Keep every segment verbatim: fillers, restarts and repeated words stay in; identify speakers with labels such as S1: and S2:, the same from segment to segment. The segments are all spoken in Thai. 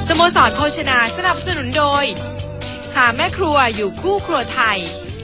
S1: สโมสรโภชนาสนับสนุนโดยสามแม่ครัวอยู่คู่ครัวไทย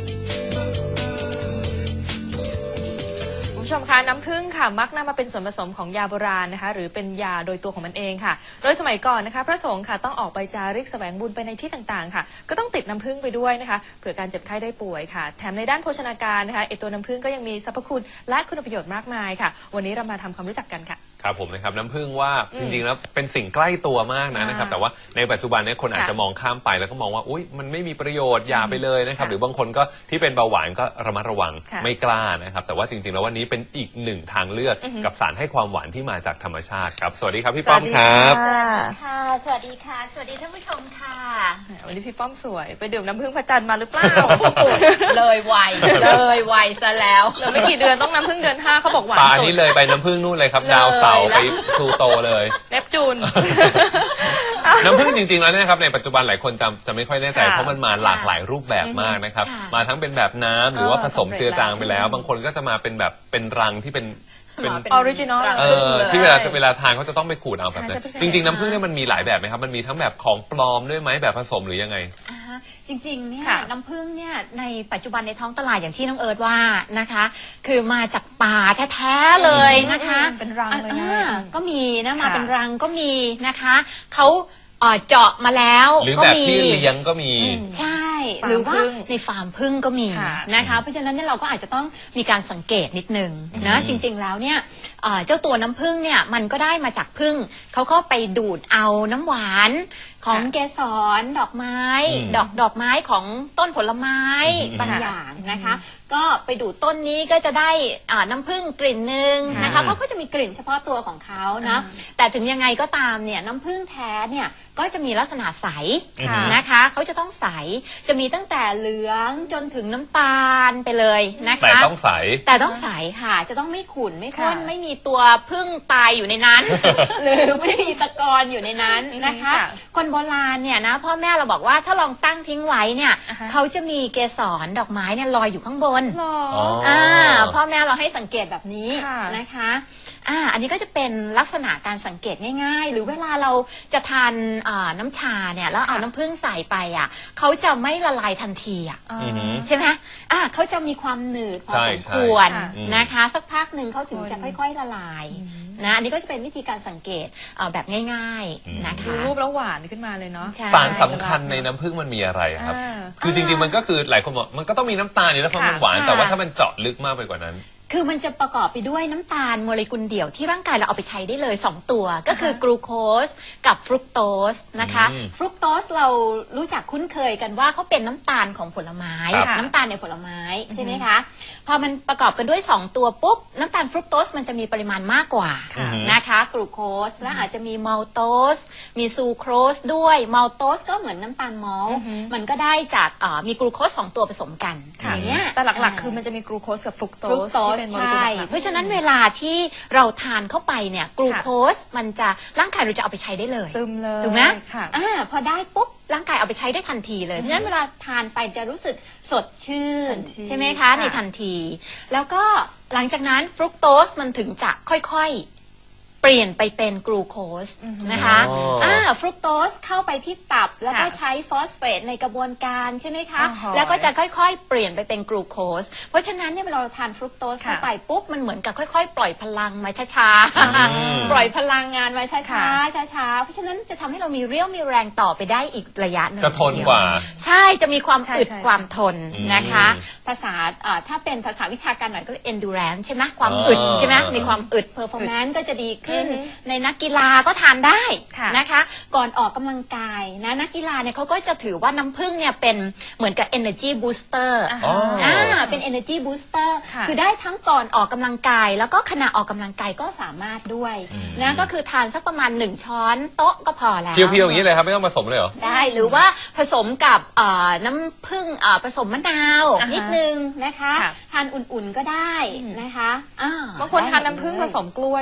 S2: คุณผู้ชมคะน้ำผึ้งค่ะมักนำมาเป็นส่วนผสมของยาโบราณนะคะหรือเป็นยาโดยตัวของมันเองค่ะโดยสมัยก่อนนะคะพระสงฆ์ค่ะต้องออกไปจาริกแสวงบุญไปในที่ต่างๆค่ะก็ต้องติดน้ำผึ้งไปด้วยนะคะเผื่อการเจ็บไข้ได้ป่วยค่ะแถมในด้านโภชนาการนะคะไอตัวน้ำผึ้งก็ยังมีสรรพคุณและคุณประโยชน์มากมายค่ะวันนี้เรามาทำความรู้จักกันค่ะ
S3: ครับผมนะครับน้ำผึ้งว่าจริงๆแล้วเป็นสิ่งใกล้ตัวมากนะนะครับแต่ว่าในปัจจุบันนี้คนอาจจะมองข้ามไปแล้วก็มองว่าอุ๊ยมันไม่มีประโยชน์อย่าไปเลยนะครับหรือบางคนก็ที่เป็นเบาหวานก็ระมัดระวังไม่กล้านะครับแต่ว่าจริงๆแล้ววันนี้เป็นอีกหนึ่งทางเลือกกับสารให้ความหวานที่มาจากธรรมชาติครับสวัสดีครับพี่ป้อมครับ
S4: ค่ะสวัสดีค่ะสวัสดีท่านผู้ชมค่ะ
S2: วันนี้พี่ป้อมสวยไปดื่มน้ำผึ้งพระจันทร์มาหรือเปล่า
S4: เลยไวเลยไวซะแล้ว
S2: เหลือไม่กี่เดือนต้องน้ำผึ้งเดือนห้าเขาบอกหวานสุด
S3: ป่านี้เลยไปน้ำผึ้งนู่นเลยครับดาวเสาร์ไปพลูโตเลย
S2: เนปจูน
S3: น้ำผึ้งจริงๆแล้วเนี่ยครับในปัจจุบันหลายคนจำจะไม่ค่อยแน่ใจเพราะมันมาหลากหลายรูปแบบมากนะครับมาทั้งเป็นแบบน้ำหรือว่าผสมเจือจางไปแล้วบางคนก็จะมาเป็นแบบเป็นรังที่เป็น
S2: เป็นออริจินอล
S3: เออที่เวลาเวลาทานเขาจะต้องไปขูดเอาแบบนั้นจริงๆน้ำผึ้งเนี่ยมันมีหลายแบบไหมครับมันมีทั้งแบบของปลอมด้วยไหมแบบผสมหรือยังไง
S4: จริงๆเนี่ยน้ำผึ้งเนี่ยในปัจจุบันในท้องตลาดอย่างที่น้องเอิร์ธว่านะคะคือมาจากป่าแท้ๆเลยนะคะ
S2: เป็นรังเลยนะ
S4: ก็มีนะมาเป็นรังก็มีนะคะเขาเจาะมาแล้ว
S3: หรือแบบที่เลี้ยงก็มี
S4: ใช่หรือว่าในฟาร์มผึ้งก็มีนะคะเพราะฉะนั้นเนี่ยเราก็อาจจะต้องมีการสังเกตนิดนึงนะจริงๆแล้วเนี่ยเจ้าตัวน้ำผึ้งเนี่ยมันก็ได้มาจากผึ้งเขาก็ไปดูดเอาน้ำหวานของเกสรดอกไม้ดอกดอกไม้ของต้นผลไม้บางอย่างนะคะก็ไปดูดต้นนี้ก็จะได้น้ำผึ้งกลิ่นหนึ่งนะคะเขาก็จะมีกลิ่นเฉพาะตัวของเขานะแต่ถึงยังไงก็ตามเนี่ยน้ำผึ้งแท้เนี่ยก็จะมีลักษณะใสนะคะเขาจะต้องใสจะมีตั้งแต่เหลืองจนถึงน้ำตาลไปเลยนะคะ
S3: แต่ต้องใส
S4: แต่ต้องใสค่ะจะต้องไม่ขุ่นไม่ข้นไม่มีตัวผึ้งตายอยู่ในนั้น หรือไม่มีตะกอนอยู่ในนั้นนะคะคนโบราณเนี่ยนะพ่อแม่เราบอกว่าถ้าลองตั้งทิ้งไว้เนี่ยเขาจะมีเกสรดอกไม้เนี่ยลอยอยู่ข้างบนอ่าพ่อแม่เราให้สังเกตแบบนี้นะคะอ่าอันนี้ก็จะเป็นลักษณะการสังเกตง่ายๆหรือเวลาเราจะทานน้ำชาเนี่ยแล้วเอาน้ำผึ้งใส่ไปอ่ะเขาจะไม่ละลายทันทีอ่ะใช่ไหมอ่าเขาจะมีความหนืดพอสมควรนะคะสักพักหนึ่งเขาถึงจะค่อยๆละลายนะอันนี้ก็จะเป็นวิธีการสังเกตแบบง่ายๆนะคะ
S2: ดูรูปแล้วหวานขึ้นมาเลยเนาะ
S3: สารสำคัญในน้ำผึ้งมันมีอะไรครับคือจริงๆมันก็คือหลายคนบอกมันก็ต้องมีน้ำตาลอยู่แล้วเพราะมันหวานแต่ว่าถ้ามันเจาะลึกมากไปกว่านั้น
S4: คือมันจะประกอบไปด้วยน้ำตาลโมเลกุลเดี่ยวที่ร่างกายเราเอาไปใช้ได้เลยสองตัวก็คือกลูโคสกับฟรุกโตสนะคะฟรุกโตสเรารู้จักคุ้นเคยกันว่าเขาเป็นน้ำตาลของผลไม้น้ำตาลในผลไม้ใช่ไหมคะพอมันประกอบกันด้วยสองตัวปุ๊บน้ำตาลฟรุกโตสมันจะมีปริมาณมากกว่านะคะกลูโคสและอาจจะมีมัลโตสมีซูโครสด้วยมัลโตสก็เหมือนน้ำตาลมอลต์มันก็ได้จากมีกลูโคสสองตัวผสมกันอย่างเงี้ย
S2: แต่หลักๆคือมันจะมีกลูโคสกับฟรุกโตส
S4: ใช่เพราะฉะนั้นเวลาที่เราทานเข้าไปเนี่ยกลูโคสมันจะร่างกายเราจะเอาไปใช้ได้เลย
S2: ซึมเลย
S4: ถูกไหมอ่าพอได้ปุ๊บร่างกายเอาไปใช้ได้ทันทีเลยเพราะฉะนั้นเวลาทานไปจะรู้สึกสดชื่นใช่ไหมคะในทันทีแล้วก็หลังจากนั้นฟรุกโตสมันถึงจะค่อยๆเปลี่ยนไปเป็นกลูโคสนะคะอ่าฟรุกโตสเข้าไปที่ตับแล้วก็ใช้ฟอสเฟตในกระบวนการใช่ไหมคะแล้วก็จะค่อยๆเปลี่ยนไปเป็นกลูโคสเพราะฉะนั้นเนี่ยเวลาเราทานฟรุกโตสเข้าไปปุ๊บมันเหมือนกับค่อยๆปล่อยพลังมาช้าๆปล่อยพลังงานมาช้าๆช้าๆเพราะฉะนั้นจะทำให้เรามีเรี่ยวมีแรงต่อไปได้อีกระยะหนึ่ง
S3: จะทนกว่า
S4: ใช่จะมีความอึดความทนนะคะภาษาถ้าเป็นภาษาวิชาการหน่อยก็ endurance ใช่ไหมความอึดใช่ไหมมีความอึด performance ก็จะดีในนักกีฬาก็ทานได้นะคะก่อนออกกำลังกายนะนักกีฬาเนี่ยเขาก็จะถือว่าน้ำผึ้งเนี่ยเป็นเหมือนกับ energy booster อ่าเป็น energy booster คือได้ทั้งก่อนออกกำลังกายแล้วก็ขณะออกกำลังกายก็สามารถด้วยนะก็คือทานสักประมาณหนึ่งช้อนโต๊ะก็พอแล้ว
S3: เพียวๆอย่างนี้เลยครับไม่ต้องผสมเลยเหรอ
S4: ได้หรือว่าผสมกับน้ำผึ้งผสมมะนาวนิดนึงนะคะทานอุ่นๆก็ได้นะคะ
S2: บางคนทานน้ำผึ้งผสมกล้วยนะ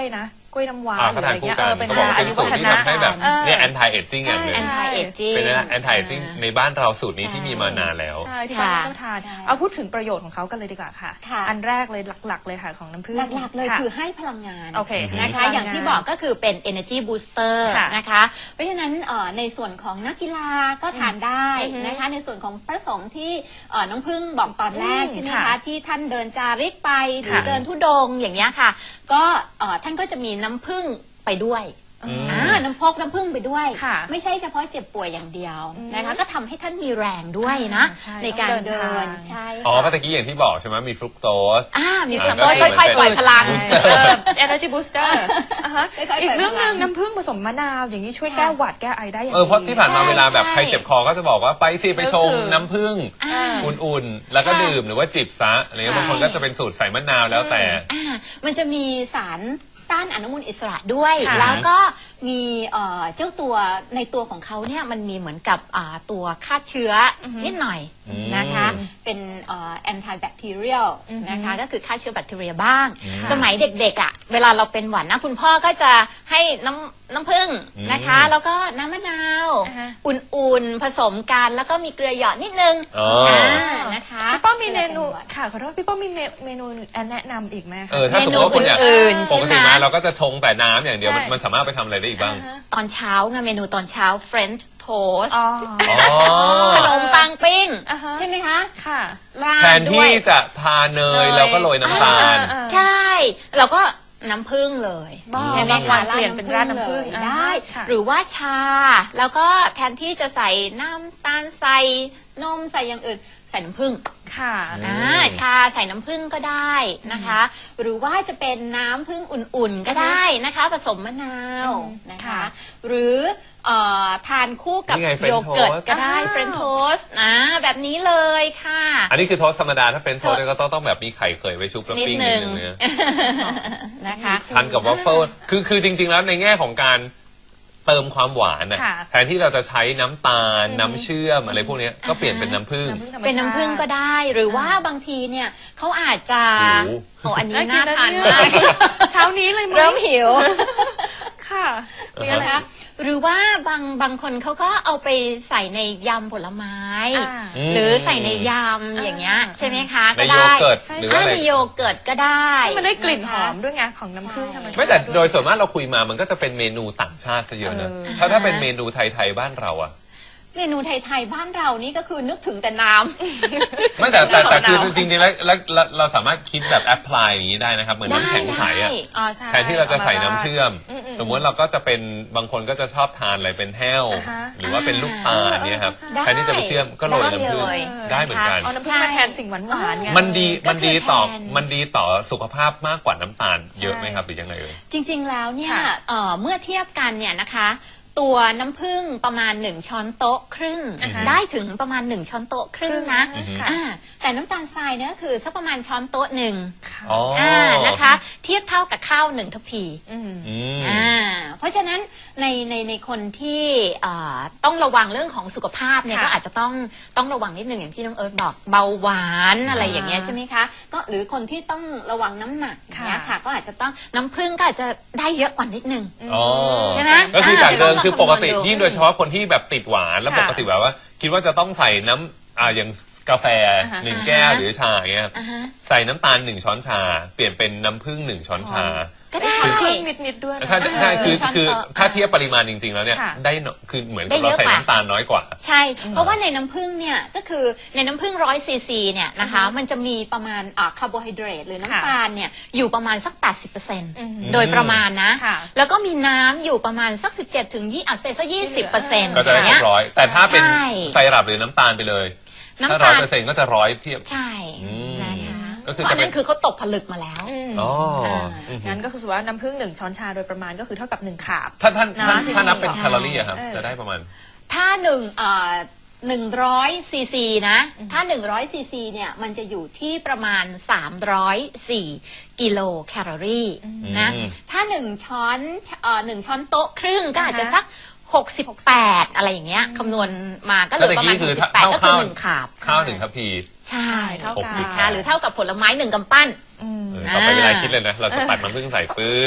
S2: กล้วยน้ำว้า
S3: อ่า
S2: หรื
S3: เขา
S2: ออะไร
S3: ทานคู่
S2: เงี้ย
S3: กั
S2: เอน อเป็น
S3: เขาบอกว่า
S2: อา
S3: เป็น
S2: ยุ
S3: สู
S2: วั
S3: ตร
S2: ฒ
S3: ที่
S2: นะ
S3: ทำให้แบบ
S2: เออ
S3: เนี่ย anti aging อย่างหนึ่ง
S2: ใช่
S4: anti aging
S3: เป็น anti aging ในบ้านเราสูตรนี้ที่มีมานานแล้ว
S2: ใช่ที่บ้าน
S4: ค่ะ
S2: ต้องทาน
S4: ใช่
S2: เอาพูดถึงประโยชน์ของเขากันเลยดีกว่าค่ะ
S4: ค่ะ
S2: อันแรกเลยหลักๆเลยค่ะของน้ำผึ้ง
S4: หลักๆเลย
S2: ะ
S4: คือให้พลังงาน
S2: โอเค
S4: นะคะ
S2: ให้พลังงาน
S4: อย่างที่บอกก็คือเป็น energy booster
S2: ค่ะ
S4: นะคะ เพราะฉะนั้นเอ่อในส่วนของนักกีฬาก็ทานได้
S2: อือฮึ
S4: นะคะ ในส่วนของพระสงฆ์ที่เอ่อน้องพึ่งบอกตอนแรก
S2: อืม
S4: ใช่ไหม
S2: ค่ะ
S4: คะที่ท่านเดินจาริกไปหรือ
S2: ค่ะ
S4: เดินธุดงค์อย่างเงี้ยค่ะ ก็เอ่อท่านก็จะมีน้ำผึ้งไปด้วย
S3: อืม
S4: อ่าน้ำพกน้ำผึ้งไปด้วย
S2: ค่ะ
S4: ไม่ใช่เฉพาะเจ็บป่วยอย่างเดียว
S2: อืม
S4: นะคะ ก็ทำให้ท่านมีแรงด้วยนะ
S2: ใช่
S4: ในการ
S2: ต้องเดิ
S4: เดิ
S2: น
S4: น
S2: ทาง
S4: ใช่
S3: อ๋อ
S4: ค่ะ
S3: เมื่อกี้อย่างที่บอกใช่ไหมมีฟรุกโตส
S4: อ่ามี
S3: อ่า
S4: คน
S3: ก็
S4: ค่
S3: คือ
S4: อยๆปล่อยพลัง
S2: เออ energy booster อ่ะฮะ
S4: ค่อยๆ
S2: อีกเรื่องหนึ่ง
S4: เปิดพลัง
S2: น้ำผึ้งผสมมะนาวอย่างนี้ช่วย
S4: ค่ะ
S2: แก้หวัดแก้ไอได้อย่าง
S3: เออเพราะที่ผ่านมา
S4: ใช่
S3: เวลาแบบ
S4: ใช่
S3: ใครเจ็บคอก็จะบอกว่าไปสิไปชง
S2: ก็คือ
S3: น้ำผึ้ง
S4: อ่า
S3: อุ่นๆ แล้วก็
S4: ค่ะ
S3: ดื่มหรือว่าจิบซะอะไรเงี้ย
S4: ใช่
S3: บางคนก็จะเป็นสูตรใส่มะนาวแล้วแต่
S4: อ่ามันจะมีสารต้านอนุมูลอิสระด้วย
S2: ค่ะ
S4: แล้วก็มีเอ่อเจ้าตัวในตัวของเขาเนี่ยมันมีเหมือนกับอ่าตัวฆ่าเชื้ออ
S2: อฮึ
S4: นิดหน่อย
S3: อืม
S4: นะคะ เป็นเอ่อ antibacterial
S2: อือฮึ
S4: นะคะก็คือฆ่าเชื้อแบคทีเรียบ้าง
S3: อืม
S4: สมัยเด็กๆอ่ะเวลาเราเป็นหวัดนะคุณพ่อก็จะให้น้ำน้ำผึ้งนะคะ
S3: อืม
S4: แล้วก็น้ำมะนาว
S2: อ่าฮะ
S4: อุ่นๆผสมกันแล้วก็มีเกลือหยอดนิดนึง
S3: อ๋ออ่
S4: านะคะ
S2: พี่ป้อมมีเมนู
S4: วลาป็หวัด
S2: ค่ะขอโทษพี่ป้อมมีเมเมนูแนะนำอีกไหมคะ
S3: เออถ้าสมมติว่าคุณอยาก
S4: เมนูอื่นๆ
S3: ปกติ
S4: ใช่ไหม
S3: มาเราก็จะชงแต่น้ำอย่างเดียวมัน
S2: ใช่
S3: มันสามารถไปทำอะไรได้อีกบ้าง
S2: อ่าฮะ
S4: ตอนเช้าไงเมนูตอนเช้า French toast
S2: อ๋อ
S3: อ๋อ
S4: ขนมปังปิ้ง
S2: อ่าฮะ
S4: ใช่ไหมคะ
S2: ค่ะ
S4: ราด
S3: แทน
S4: ด้
S3: ที่
S4: วย
S3: จะทาเนย
S2: เนย
S3: เราก็โรยน้ำตาล
S2: อ่า
S4: ใช่ เราก็น้ำผึ้งเลย
S2: บ้า
S4: ใช่ไหม
S2: บางวั
S4: คะ
S2: นเปลี่ยนเป็นราดน้ำผึ้ง
S4: เลย
S2: อ่า
S4: ได้
S2: ค่ะ
S4: หรือว่าชา แล้วก็แทนที่จะใส่น้ำตาลใส่นมใส่อย่างอื่น ใส่น้ำผึ้ง
S2: ค่ะ
S4: อ่าชาใส่น้ำผึ้งก็ได้นะคะ หรือว่าจะเป็นน้ำผึ้งอุ่นๆก็ได้นะคะ ผสมมะนาว
S2: อืม
S4: นะคะ
S2: ค่ะ
S4: หรือเอ่อทานคู่กับ
S3: นี่ไง French
S4: โยเกิร์ต
S3: toast
S4: ก็ได้
S2: อ้าว
S4: เฟรนโทสนะแบบนี้เลยค่ะ
S3: อันนี้คือโทสต์ธรรมดาถ้าเป็นโทสต์เนี่ยก็ต้องต้องแบบมีไข่เคยไว้ชุบแล้ว
S4: นิด
S3: ปิ้ง
S4: นึ
S3: นิด
S4: ง
S3: นึงเนี่ย
S4: นะคะ
S3: ทานกับวัฟเฟิลคือคือจริง ๆ แล้วในแง่ของการเติมความหวานน่ะ
S2: ค่ะ
S3: แทนที่เราจะใช้น้ำตาล
S2: อืม
S3: น้ำเชื่อมอะไรพวกเนี้ยก็เปลี่ยนเป็นน้ำผึ้ง
S2: ธรรมชาติ
S4: เป็นน้ำผึ้งก็ได้ หรือว่าบางทีเนี่ยเขาอาจจะ
S3: โอ้โห
S4: โอ้อันนี้
S2: น่ากิน
S4: น่าทาน
S2: นะ
S4: มาก
S2: เนี่ย เช้านี้เลยไหม
S4: เริ่มหิว
S2: ค่ะมีอะไร
S4: นะคะหรือว่าบางบางคนเขาก็เอาไปใส่ในยำผลไม้
S2: อ่า
S3: ม
S4: หรือใส่ในยำอย่างเงี้ย
S2: อ่า
S4: ใช่ไหมคะ
S3: ใน
S4: ก็
S3: โย
S4: ได้
S3: เกิร์ต
S2: ใช่
S3: หรือ
S4: ถ้า
S3: ว่าอะไร
S4: ในโยเกิร์ตก็ได้
S2: ให้มันได้กลิ่นห
S4: ะคะ
S2: อมด้วยไงของน้ำผึ้งธรรมชาติ
S3: ไม่แต่
S2: วย
S3: โดยส่วนมากเราคุยมามันก็จะเป็นเมนูต่างชาติซะเยอะนะ
S2: เออ
S3: ถ้าถ้าเป็นเมนูไทยๆบ้านเราอะ
S4: เมนูไทยๆบ้านเรานี่ก็คือนึกถึงแต่น้ำ
S3: ไม่แต่แต่แต่คือ
S2: มะนาว
S3: จริงๆแล้วแล้วแล้วเราสามารถคิดแบบแอพพลายอย่างนี้ได้นะครับ เหมือนน้ำแข็งใสอะ
S4: ได้
S2: อ๋อใช่
S3: แทนที่เราจะใส่น้ำเชื่อม
S2: อืมๆ
S3: สมมติเราก็จะเป็นบางคนก็จะชอบทานอะไรเป็นแห้ว
S2: อ่าฮะ
S3: หรือว่าเป็นลูกตาลเนี่ยครับ
S4: ได้
S3: แทนที่จะไปเชื่อมก็โรยน้ำผึ้ง
S4: ได้เลย
S3: ได้เหมือนกัน
S2: เอาน้ำผึ้งมาแทนสิ่งหวานหวานๆไง
S3: มันดี
S4: ก็คือ
S3: มันดีต่อ
S4: แทน
S3: มันดีต่อสุขภาพมากกว่าน้ำตาลเยอะไหมครับหรือยังไงเอ่ย
S4: จริงๆ แล้วเนี่ย
S2: ค่ะ
S4: เอ่อเมื่อเทียบกันเนี่ยนะคะ ตัวน้ำผึ้งประมาณหนึ่งช้อนโต๊ะครึ่ง
S2: อ่าฮะ
S4: ได้ถึงประมาณหนึ่งช้อนโต๊ะครึ่งนะ
S2: อือฮึ
S4: อ่าแต่น้ำตาลทรายเนี่ยก็คือสักประมาณช้อนโต๊ะหนึ่ง
S2: ค่ะ
S3: อ๋ออ
S4: อ่านะคะ เทียบเท่ากับข้าวหนึ่งทัพพี
S2: อืม
S3: อืม
S4: อ่าเพราะฉะนั้นในในในคนที่เอ่อต้องระวังเรื่องของสุขภาพเนี่ย
S2: ค่ะ
S4: ก็อาจจะต้องต้องระวังนิดหนึ่งอย่างที่น้องเอิร์ธบอกเบาหวานอะไรอย่างเงี้ย
S2: อ่า
S4: ใช่ไหมคะก็หรือคนที่ต้องระวังน้ำหนักอย่างเงี้ย
S2: ค่ะ
S4: ค่ะ ก็อาจจะต้องน้ำผึ้งก็อาจจะได้เยอะกว่านิดนึง
S3: อ๋อ
S4: ใช่ไหม
S3: ก็คือจากเดิม
S4: อ่า
S3: คือปกติ
S4: ลองคำนวณดู
S3: ยิ่งโดยเฉพาะคนที่แบบติดหวานแล้ว
S2: ค่ะ
S3: ปกติแบบว่า คิดว่าจะต้องใส่น้ำอ่าอย่างกาแฟ
S2: อ่าฮะ
S3: หนึ่งแก้วหรือชาอย่างเงี้ย
S4: อ่าฮะ
S3: ใส่น้ำตาลหนึ่งช้อนชา เปลี่ยนเป็นน้ำผึ้งหนึ่งช้อนชา
S4: ก็ได้
S2: ครึ่งนิดๆด้วยนะ
S3: ถ้าถ้าคือ
S4: ช้อน
S3: คือ
S4: โต๊ะ
S3: ถ้าเทียบปริมาณจริง ๆ แล้วเนี่ย
S2: ค่ะ
S3: ได้เนอะคือเหมือน
S4: ได้
S3: กับ
S4: เย
S3: เรา
S4: อะ
S3: ใส่
S4: กว่า
S3: น้ำตาลน้อยกว่า
S4: ใช่ เพราะว่าในน้ำผึ้งเนี่ยก็คือในน้ำผึ้งร้อยซีซีเนี่ยนะคะมันจะมีประมาณอ่าคาร์โบไฮเดรตหรือน้ำตาลเนี่ยอยู่ประมาณสัก แปดสิบเปอร์เซ็นต์
S2: อืม
S4: โดยประมาณนะ
S2: ค่ะ
S4: แล้วก็มีน้ำอยู่ประมาณสัก สิบเจ็ดถึงยี่อ่ะเซซะยี่สิบเปอร์เซ็นต์
S3: ก็จะได้
S4: อย่าง
S3: เรี
S4: เงี้
S3: ย
S4: ย
S3: บร้อย แต่ถ้าเป็น
S4: ใช่
S3: ไซรัปหรือน้ำตาลไปเลยถ้า
S4: น้ำ
S3: ร้อ
S4: ตาย ล
S3: เปอร์เซ็นต์ก็จะร้อยเทียบ
S4: ใช่
S3: อืม
S4: นะคะ
S3: ก็คือ
S4: เพราะ
S3: จะ
S4: อัน
S3: เป็
S4: นั้น นคือเขาตกผลึกมาแล้ว
S2: อืม
S3: อ๋อ
S4: อ่า
S3: อืม
S2: งั้นก็คือว่าน้ำผึ้งหนึ่งช้อนชาโดยประมาณก็คือเท่ากับหนึ่งขาบ
S3: ถ้าท่านถ้า
S2: นะ
S3: ถ้านับเป็น
S4: ใช่
S3: แคลอรี่อะครับ
S2: เออ
S3: จะได้ประมาณ
S4: ถ้าหนึ่งเอ่อหนึ่งร้อยซีซีนะ ถ้าหนึ่งร้อยซีซีเนี่ยมันจะอยู่ที่ประมาณสามร้อยสี่กิโลแคลอรี่นะ
S3: อืม
S4: ถ้าหนึ่งช้อนเอ่อหนึ่งช้อนโต๊ะครึ่งก็อาจจะ
S2: อ่าฮะ
S4: สักหกสิบแปดอะไรอย่างเงี้ยคำนวณมาก็เหลือประมาณ
S3: แล้วตะกี้
S4: ห
S3: คื
S4: ก
S3: อ
S4: สิบแปด
S3: เท่า
S4: ก็คือ
S3: ข้าว
S4: หนึ่งขาบ
S3: ข้าวหนึ่งทัพพี
S4: ใช่
S2: เท่า
S3: หก
S2: กั
S3: สิบ
S4: นะคะหรือเท่ากับผลไม้หนึ่งกำปั้น
S2: อืม
S3: เออต่อไปเวลาคิดเลยนะ เราจะปัดมันำผึ้งใส่ปุ๊บ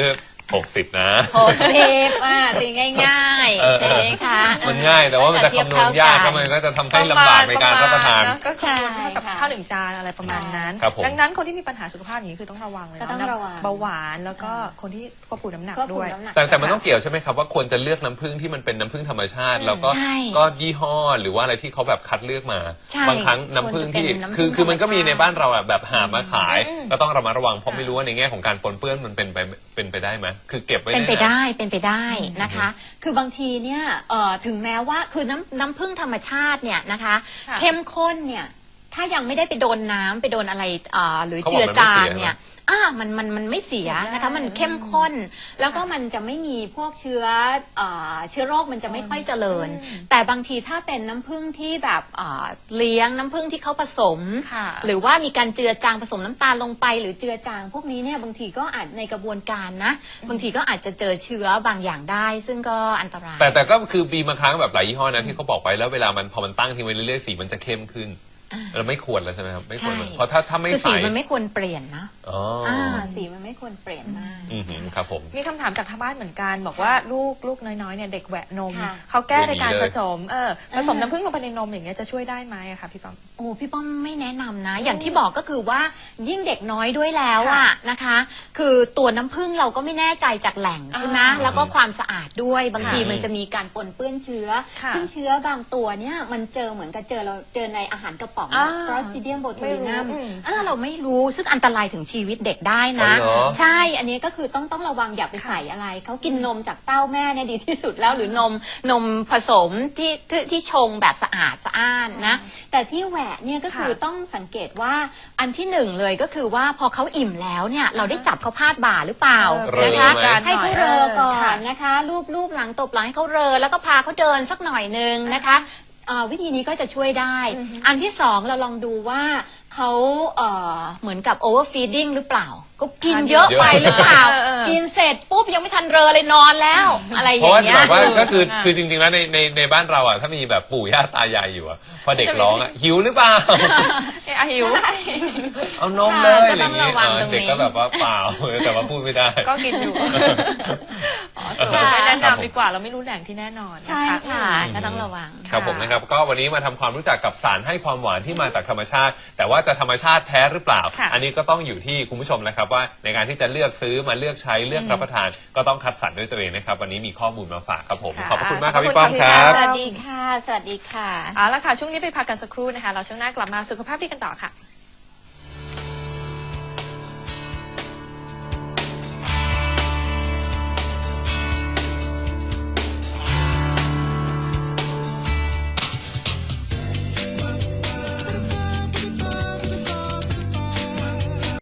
S3: หกสิบนะ
S4: หกสิบอ่ะตีง่าย
S3: เออ
S4: ๆ ใช่ไหมคะ
S3: มันง่ายแต่ว่ามันจะคำนวณยากก็มันก็จะทำให้ลำบากในการรับประทาน
S2: เนอะก็คือเท่ากับ
S4: ใช่ค่ะ
S2: ข้าวหนึ่งจานอะไรประมาณนั้น
S3: ครับผม
S2: ดังนั้นคนที่มีปัญหาสุขภาพอย่างนี้คือต้องระวังเลย
S4: ก็
S2: เนาะ
S4: ต้องระวัง
S2: เบาหวานแล้วก็คนที่ควบคุมน้ำหนัก
S4: ควบคุ
S2: ด้
S4: ม
S2: วย
S4: น้ำหนัก
S3: แต่แต่มันต้องเกี่ยวใช่ไหมครับว่าควรจะเลือกน้ำผึ้งที่มันเป็นน้ำผึ้งธรรมชาติ แล้วก็
S4: ใช่
S3: ก็ยี่ห้อหรือว่าอะไรที่เขาแบบคัดเลือกมา
S4: ใช่
S3: บางครั้งน้ำผึ้งที่
S4: ควรจะเป็นน้ำผึ้ง
S3: คือคือมันก็มี
S4: ธรรมชาติ
S3: ในบ้านเราอะแบบหามาขาย
S2: อืม
S3: ก็ต้องระมัดระวังเพราะไม่รู้ว่าในแง่ของการปนเปื้อนมันเป็นไปเป็นไปได้ไหมคือเก็บไว้
S4: เป็นไป
S3: ยะ
S4: ได้เป็นไปได้นะคะ คือบางทีเนี่ยเอ่อถึงแม้ว่าคือน้ำน้ำผึ้งธรรมชาติเนี่ยนะคะ
S2: ค่ะ
S4: เข้มข้นเนี่ยถ้ายังไม่ได้ไปโดนน้ำไปโดนอะไรเอ่อหรือ
S3: เขาบ
S4: เจื
S3: อก
S4: อ
S3: มันไม่
S4: จาง
S3: เสีย
S4: เนี่ยอ่ามันมันมันไม่เสียนะคะ มันเข้มข้น แล้วก็มันจะไม่มีพวกเชื้อเอ่อเชื้อโรคมันจะไม่ค่อยเจริญ แต่บางทีถ้าเป็นน้ำผึ้งที่แบบเอ่อเลี้ยงน้ำผึ้งที่เขาผสม
S2: ค่ะ
S4: หรือว่ามีการเจือจางผสมน้ำตาลลงไป หรือเจือจาง พวกนี้เนี่ยบางทีก็อาจในกระบวนการนะ บางทีก็อาจจะเจอเชื้อบางอย่างได้ ซึ่งก็อันตราย
S3: แต่แต่ก็คือมีบางครั้งแบบหลายยี่ห้อนะที่เขาบอกไว้แล้วเวลามันพอมันตั้งทิ้งไว้เรื่อยๆสีมันจะเข้มขึ้นเราไม่ควรแล้วใช่ไหมครับไม่ควร
S4: ใช่
S3: เพราะถ้าถ้าไม่
S4: คือ
S3: ใส
S4: สีมันไม่ควรเปลี่ยนนะ
S3: อ๋ออ
S4: อ่าสีมันไม่ควรเปลี่ยนมาก
S3: อือหือครับผม
S2: มีคำถามจากทางบ้านเหมือนกัน บอกว่าลูกลูกน้อยๆเนี่ยเด็กแหวะนม
S4: ค่ะ
S2: เขาแก้ในการ
S3: ไม่ดีเลย
S2: ผสมเออผสมน้ำผึ้งลงไปในนมอย่างเงี้ยจะช่วยได้ไหมอะคะพี่ปั๊ม
S4: โอ้พี่ป้อมไม่แนะนำนะ อย่างที่บอกก็คือว่ายิ่งเด็กน้อยด้วยแล้วอะนะคะ คือตัวน้ำผึ้งเราก็ไม่แน่ใจจากแหล่งใช่ไหม
S2: อ่า
S4: แล้วก็ความสะอาดด้วยบางที
S3: ค่ะ
S4: มันจะมีการปนเปื้อนเชื้อ
S2: ค่ะ
S4: ซึ่งเชื้อบางตัวเนี่ยมันเจอเหมือนกับเจอเราเจอในอาหารกระป๋อง
S2: อ่า
S4: ครอสติเดียมโบทูลินัม
S2: ไม่รู้อืม
S4: อ่าเราไม่รู้ซึ่งอันตรายถึงชีวิตเด็กได้นะ
S3: อ๋อเหรอ
S4: ใช่ อันนี้ก็คือต้องต้องระวังอย่าไปใส่อะไร เขากินนมจากเต้าแม่เนี่ยดีที่สุดแล้วหรือนมนมผสมที่ที่ที่ชงแบบสะอาดสะอ้านนะ แต่ที่แหวะเนี่ยก็คือ
S2: ค่ะ
S4: ต้องสังเกตว่าอันที่หนึ่งเลยก็คือว่าพอเขาอิ่มแล้วเนี่ยเราได้จับเขาพาดบ่าหรือเปล่า
S3: เรอ
S4: นะคะ
S3: ไหม
S4: ให้เขาเรอก่อ
S2: ค่ะ
S4: นนะคะ รูปรูปหลังตบหลังให้เขาเรอแล้วก็พาเขาเดินสักหน่อยนึงนะคะเอ่อวิธีนี้ก็จะช่วยได้ อันที่สองเราลองดูว่าเขาเอ่อเหมือนกับ overfeeding หรือเปล่า ก็กินเยอะไปหรือเปล่า
S2: เออเออ
S4: กินเสร็จปุ๊บยังไม่ทันเรอเลยนอนแล้ว อะไรอ
S3: เพราะ
S4: ย่าง
S3: ว่า
S4: เงี้ย
S3: แบบว่าก็คือ
S2: ค่ะ
S3: คือจริงๆแล้วในในในบ้านเราอ่ะถ้ามีแบบปู่ย่าตายายอยู่อ่ะพอเด็กร้องอ่ะหิวหรือเปล่า
S2: เอะหิว
S3: เอานมเลย
S4: ค่ะ
S3: อะไรอย่างงี้
S4: ก็ต้องระวัง
S3: เออ
S4: ตรงนี้
S3: เด็กก็แบบว่าเปล่า แต่ว่าพูดไม่ได้
S2: ก็กินอยู่อ๋อสรุปไม่แนะนำดีกว่าเราไม่รู้แหล่งที่แน่นอนน
S4: ใช่ค่ะก็ต้องระวัง
S3: ครับผมนะครับก็วันนี้มาทำความรู้จักกับสารให้ความหวานที่มาจากธรรมชาติ แต่ว่าจะธรรมชาติแท้หรือเปล่า
S2: ค่ะ
S3: อันนี้ก็ต้องอยู่ที่คุณผู้ชมนะครับว่าในการที่จะเลือกซื้อมาเลือกใช้เลือกรับประทาน ก็ต้องคัดสรรด้วยตัวเองนะครับวันนี้มีข้อมูลมาฝากครับผม
S2: ค่ะ
S3: ขอบพระคุณมากครับ
S2: ขอบคุณ
S3: พี่ป้อมค
S2: ค่ะ
S3: รับ
S4: สวัสดีค่ะ สวัสดีค่ะ
S2: เอาละค่ะช่วงนี้ไปพักกันสักครู่นะคะเราช่วงหน้ากลับมาสุขภาพดีกันต่อค่ะ